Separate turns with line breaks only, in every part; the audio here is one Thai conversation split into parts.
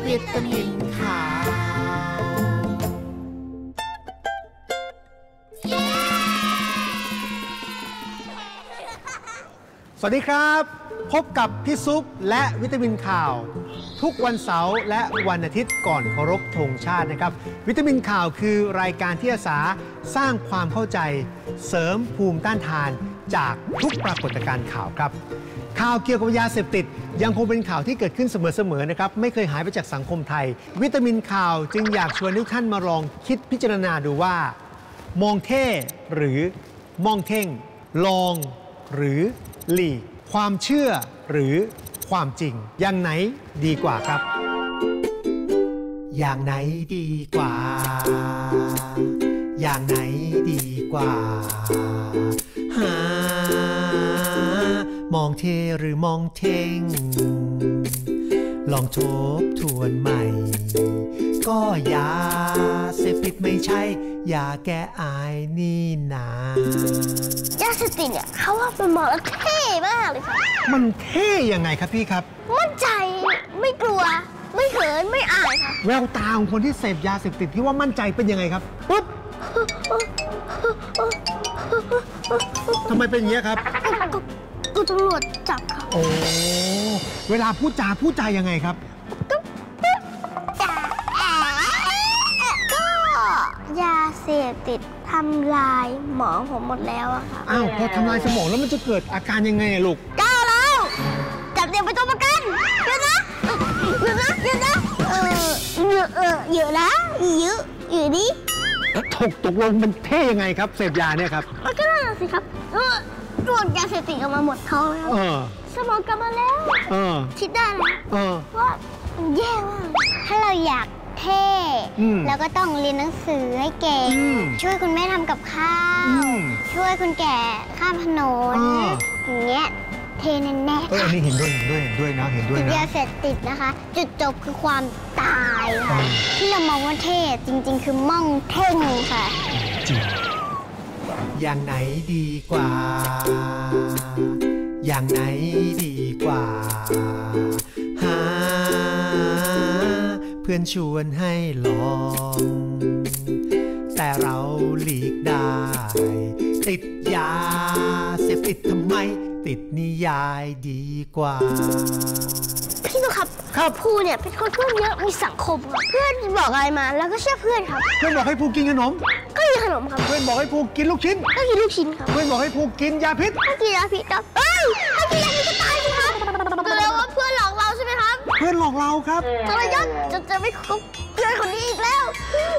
วิตามินขาวสวัสดีครับพบกับพี่ซุปและวิตามินข่าวทุกวันเสาร์และวันอาทิตย์ก่อนเคารพธงชาตินะครับวิตามินข่าวคือรายการที่อาสาสร้างความเข้าใจเสริมภูมิต้านทานจากทุกปรากฏการณ์ข่าวครับข่าวเกี่ยวกับยาเสพติดยังคงเป็นข่าวที่เกิดขึ้นเสมอๆนะครับไม่เคยหายไปจากสังคมไทยวิตามินข่าวจึงอยากชวนทุกท่านมาลองคิดพิจารณาดูว่ามองเท่หรือมองเท่งลองหรือหลีกความเชื่อหรือความจริงอย่างไหนดีกว่าครับอย่างไหนดีกว่าอย่างไหนดีกว่ามองเทหรือมองเท่งลองทบทวนใหม่ก็ยาเสพติดไม่ใช่ยาแก้อายนี่นาย
าเสพติดเนี่ยเขาว่ามันมองแล้วเท่มากเลยค่ะ
มันเท่ยังไงครับพี่ครับ
มั่นใจไม่กลัวไม่เขินไม่อายค่ะ
แววตาของคนที่เสพยาเสพติดที่ว่ามั่นใจเป็นยังไงครับปุ๊บทำไมเป็นอย่างนี้ครับ
ก็ตำรวจจับค่ะ
โอ้เวลาพูดจายังไงครับ
ก็ยาเสพติดทำลายหมอผมหมดแล้วอะค่ะ
อ้าวพอทำลายสมองแล้วมันจะเกิดอาการยังไงลูก
ก้าวแล้วจับเด็กไปตัวประกันเยอะนะเยอะนะเยอะนะเยอะนะอยู่นี่
ตกลงมันเท่ยังไงครับเสพยาเนี่ยครับ
มันก็น่าสิครับตรวจยาเสพติดออกมาหมดท้องแล้วสมองกลับมาแล้วคิดได้แล้วว่าแย่มากถ้าเราอยากเท่แล้วก็ต้องเรียนหนังสือให้เก่งช่วยคุณแม่ทำกับข้าวช่วยคุณแก่ข้ามถนนอย่างเงี้ยเท่แน่ๆ
อันนี้เห็นด้วยนะเห็นด้วยนะ
ยาเสพติดนะคะจุดจบคือความตายค่ะที่เรามองว่าเท่จริงๆคือม่องเท่งค่ะ
จริงอย่างไหนดีกว่าอย่างไหนดีกว่าหาเพื่อนชวนให้ลองแต่เราหลีกได้ติดยาเสพติดทำไมติดนิยายดีกว่า
พี่ตุ๊กครับภูเนี่ยเป็นคนเพื่อนเยอะมีสังคมครับเพื่อนบอกอะไรมาแล้วก็เชื่อเพื่อนครับ
เพื่อนบอกให้ภูกินขนม
ก็กินขนมครับ
เพื่อนบอกให้ภูกินลูกชิ้น
ก็กินลูกชิ้นครับ
เพื่อนบอกให้ภูกินยาพิษ
ก็กินยาพิษครับถ้ากินยาพิษจะตายสิครับแสดงว่าเพื่อนหลอกเราใช่ไหมครับ
เพื่อนหลอกเราครับ
ทรยศจะไม่คบเพื่อนคนนี้อีกแล้ว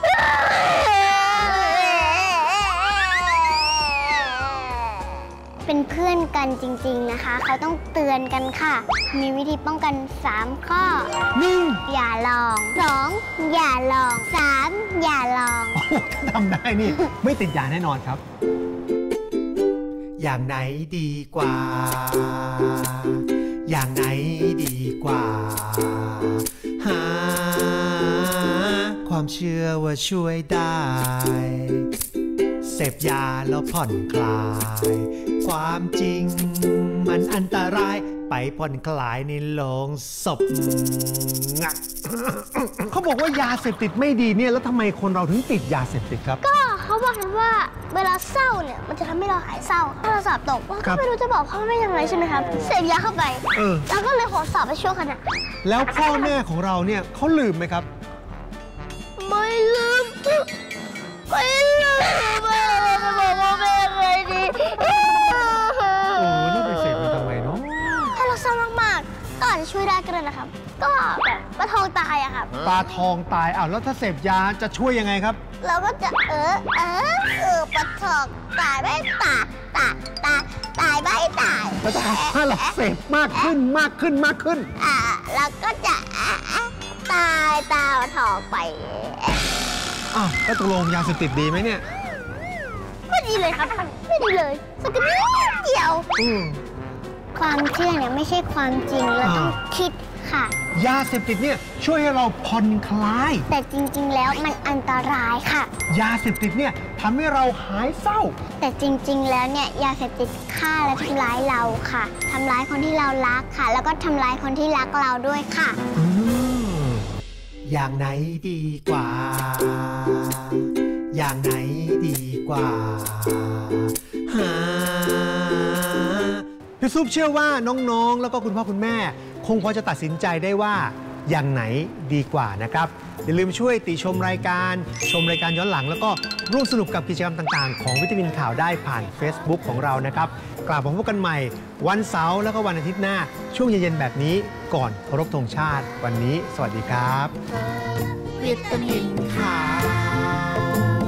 เป็นเพื่อนกันจริงๆนะคะเขาต้องเตือนกันค่ะมีวิธีป้องกัน3ข้อ 1. อย่าลอง 2. อย่าลอง 3. อย่าลอง
ถ้าทำได้นี่ไม่ติดยาแน่นอนครับอย่างไหนดีกว่าอย่างไหนดีกว่าหาความเชื่อว่าช่วยได้เสพยาแล้วผ่อนคลายความจริงมันอันตรายไปผ่อนคลายในโรงศพเขาบอกว่ายาเสพติดไม่ดีเนี่ยแล้วทำไมคนเราถึงติดยาเสพติดครับ
ก็เขาบอกกันว่าเวลาเศร้าเนี่ยมันจะทำให้เราหายเศร้าถ้าเราสอบตกก็ไม่รู้จะบอกพ่อแม่ยังไงใช่ไหมครับเสพยาเข้าไปแล้วก็เลยขอสอบไปช่วงขณะ
แล้วพ่อแม่ของเราเนี่ยเขาลืมไหมครับ
ไม่ลืมไม่ลืมจะบอกว่าแม่ไงดี
นี่ไปเสพมันทำไมเนาะ
ถ้าเราเศร้ามากๆก็อาจจะช่วยได้ก็ได้นะครับก็แบบปลาทองตายอะครับ
ปลาทองตายแล้วถ้าเสพยาจะช่วยยังไงครับ
เราก็จะปลาทองตายไม่ตายไม่ตาย
ถ้าเราเสพมากขึ้น
เราก็จะตายตาปลาทองไป
แล้วตกลงยาเสพติดดีไหมเนี่ย
ไม่ดีเลยครับไม่ดีเลยสักนิดเดียวความเชื่อเนี่ยไม่ใช่ความจริงเราต้องคิดค่ะ
ยาเสพติดเนี่ยช่วยให้เราผ่อนคลาย
แต่จริงๆแล้วมันอันตรายค่ะ
ยาเสพติดเนี่ยทำให้เราหายเศร้า
แต่จริงๆแล้วเนี่ยยาเสพติดฆ่าและทำร้ายเราค่ะทำร้ายคนที่เรารักค่ะแล้วก็ทำร้ายคนที่รักเราด้วยค่ะ
อย่างไหนดีกว่าอย่างไหนดีกว่าพี่ซุปเชื่อว่าน้องๆแล้วก็คุณพ่อคุณแม่คงพอจะตัดสินใจได้ว่าอย่างไหนดีกว่านะครับอย่าลืมช่วยติชมรายการย้อนหลังแล้วก็ร่วมสนุกกับกิจกรรมต่างๆของวิตามินข่าวได้ผ่าน Facebook ของเรานะครับกลับมาพบกันใหม่วันเสาร์แล้วก็วันอาทิตย์หน้าช่วงเย็นๆแบบนี้ก่อนเคารพธงชาติวันนี้สวัสดีครับวิตามินข่าว